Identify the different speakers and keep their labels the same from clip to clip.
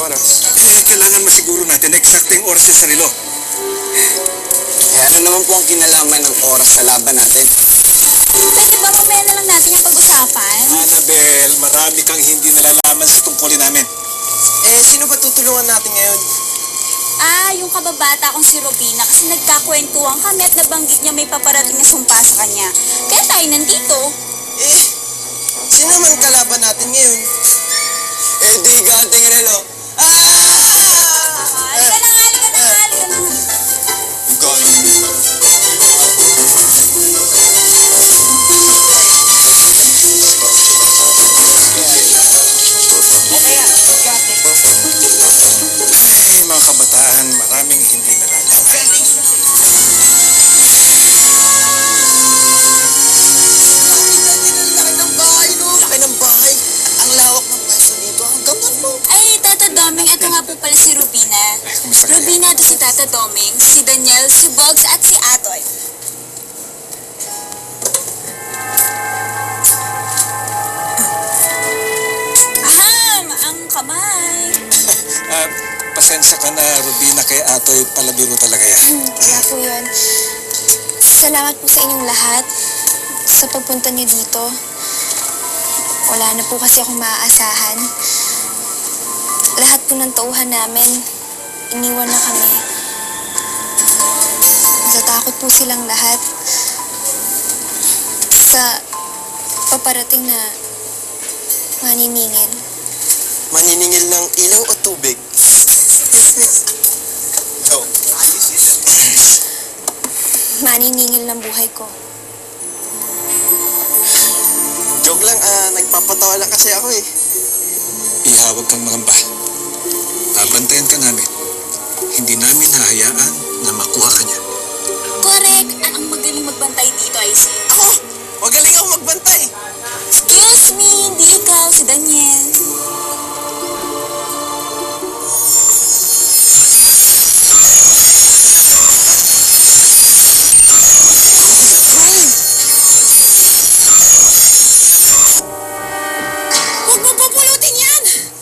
Speaker 1: oras?
Speaker 2: Kailangan masiguro natin na eksakteng oras sa sarilo.
Speaker 3: Ano naman po ang kinalaman ng oras sa laban natin?
Speaker 4: Pwede ba mamaya na lang natin yung pag-usapan?
Speaker 2: Annabel, marami kang hindi nalalaman sa tungkulin namin.
Speaker 3: Sino ba tutulungan natin ngayon?
Speaker 4: Yung kababata kong si Robina kasi nagkakwentuhan kami at nabanggit niya may paparating na sumpa sa kanya. Kaya tayo nandito.
Speaker 3: Sino man kalaban natin ngayon? Di gating relo.
Speaker 4: Halika na nga, halika na nga, halika na nga.
Speaker 2: Mga kabataan, maraming hindi nalalaman.
Speaker 3: Laki ng bahay. Ang lawak ng pwesto dito. Hanggang ano?
Speaker 4: Ay, Tata Doming, ito nga po pala si Rubina.
Speaker 2: Kumusta ka?
Speaker 4: Rubina, ito si Tata Doming, si Daniel, si Bogs, at si Atoy. Aham! Ang kamay!
Speaker 2: Pasensya ka na, Rubina, kay Atoy, palabiro talaga yan.
Speaker 5: Wala po yun. Salamat po sa inyong lahat sa pagpunta niyo dito. Wala na po kasi akong maaasahan. Lahat po ng tauhan namin, iniwan na kami. Natatakot po silang lahat sa paparating na maniningil.
Speaker 3: Maniningil ng ilaw o tubig? No.
Speaker 5: Maniningil ng buhay ko.
Speaker 3: Joke lang, nagpapatawa lang kasi ako eh.
Speaker 2: Ihawag kang mangamba. Babantayan ka namin. Hindi namin hahayaan na makuha ka niya.
Speaker 4: Correct! Ang magaling magbantay dito ay si...
Speaker 3: Ako! Magaling ako magbantay!
Speaker 4: Excuse me, hindi ikaw, si Daniel.
Speaker 3: Huwag mo pupulutin yan!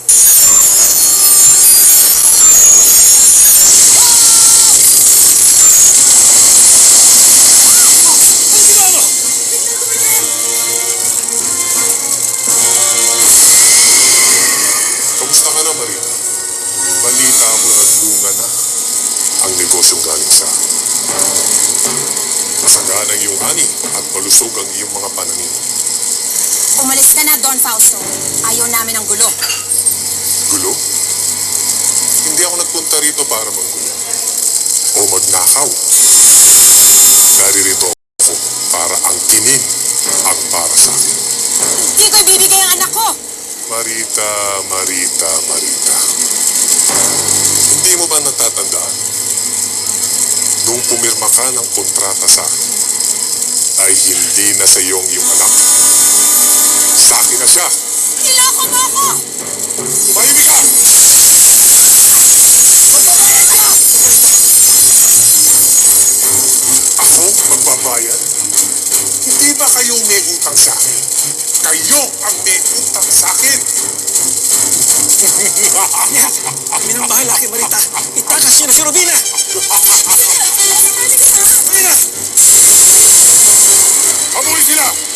Speaker 6: Kamusta ka na, Marita? Balita mo nagbunga na ang negosyong galing sa akin. Masagana ang iyong ani at malusog ang iyong mga pananim.
Speaker 4: Umalis ka na, Don Fausto. Ayaw namin ng gulo.
Speaker 6: Gulo? Hindi ako nagpunta rito para manggulo o magnakaw. Naririto ako para angkinin ang para sa akin.
Speaker 4: Di ko ibibigay ang anak ko!
Speaker 6: Marita, Marita, Marita. Hindi mo ba natatandaan? Nung pumirma ka ng kontrata sa akin, ay hindi na sa iyong anak. Sa akin na siya.
Speaker 4: Niloko mo ako!
Speaker 6: Tumahimik ka! Ako magbabayad? Hindi ba kayong may utang sa akin? Kayo ang may utang sa akin!
Speaker 2: Kami nang bahala kay Marita. Itakas niyo na si Rubina! Rubina!
Speaker 6: Habulin sila!